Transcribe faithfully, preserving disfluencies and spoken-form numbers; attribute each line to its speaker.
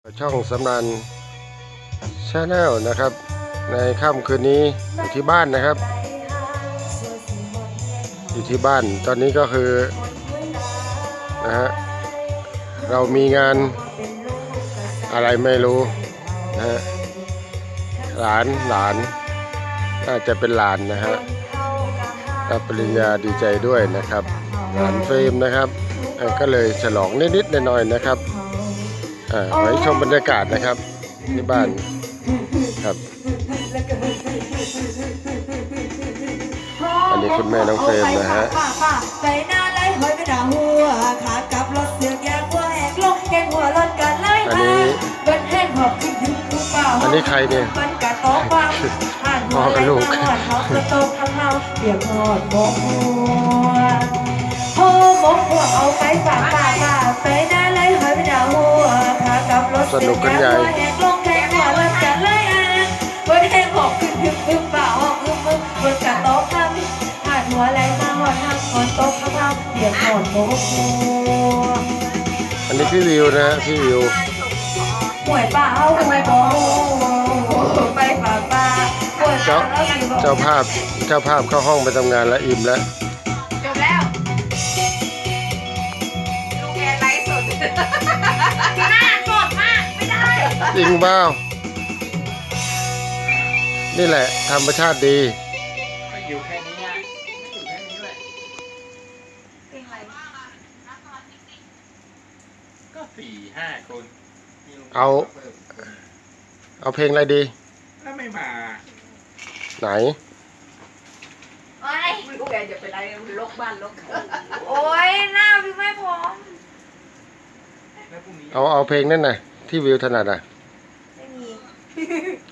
Speaker 1: ช่องสำนันชาแนลนะครับ ในค่ำคืนนี้อยู่ที่บ้านนะครับ อยู่ที่บ้านตอนนี้ก็คือนะฮะเรามีงานอะไรไม่รู้นะฮะหลานหลานน่าจะเป็นหลานนะฮะรับปริญญาดีใจด้วยนะครับหลานเฟรมนะครับก็เลยฉลองนิดๆหน่อยๆนะครับอ่าไว้ชมบรรยากาศนะครับที่บ้านครับอันนี้คุณแม่น้องเฟรมนะฮะ
Speaker 2: ใส่หน้าไล่หอยไปด่าหัวขากลับรถเสือกยางหัวแหกลงแกงหัวรถกันไล่มาเบิ้ลแห้งหอบขึ้นถึงลูกเปล่า
Speaker 1: อันนี้ใครเนี่ย
Speaker 2: มันกะโต๊ะฟังผ่านหัวเลยมาหอดเขาสะโต๊ะข้างเฮาเปียกหอดบกหัวโอ้บกหัวเอาไปฝากฝากฝากใส่หน้าไล่หอยไปด่าหัวขากลับรถเสือกยางหัวแหกลงแกงหัวรถกันไล่อ่ะเบิ้ลแห้งหอบขึ้นถึงลูกเปล่าหอบอึ้มอึ้มบนกะโต๊ะฟังหัวไหลมาหอดทางหอดตกข้างล่างเปียกหอดโบกหัว
Speaker 1: อันนี้พี่วิวนะพี่วิว
Speaker 2: หวยป่าเอาหวยบ่ไปป่าป่า
Speaker 1: เจ้าเจ้าภาพเจ้าภาพเข้าห้องไปทำงานแล้วอิ่มแล้ว
Speaker 3: จบแล้วลูกแกไลฟ์สดหน้าสดมากไม่ได้
Speaker 1: จริงเปล่านี่แหละธรรมชาติดี
Speaker 4: อยู่แค่นี้อ่ะอยู่แค่นี้แหละ
Speaker 3: เพลงอะไร
Speaker 4: ก็สี่ห้าคน
Speaker 1: เอาเอาเพลงอะไรดี
Speaker 4: แล้วไม่มา
Speaker 1: ไหน
Speaker 3: โอ้ยลูกแกจะเป็นไรลกบ้านลกโอ้ยหน้าพี่ไม่พร้อม
Speaker 1: เอาเอาเพลงนั่นน่ะที่วิวถนัดอ่ะ
Speaker 3: ไม่มี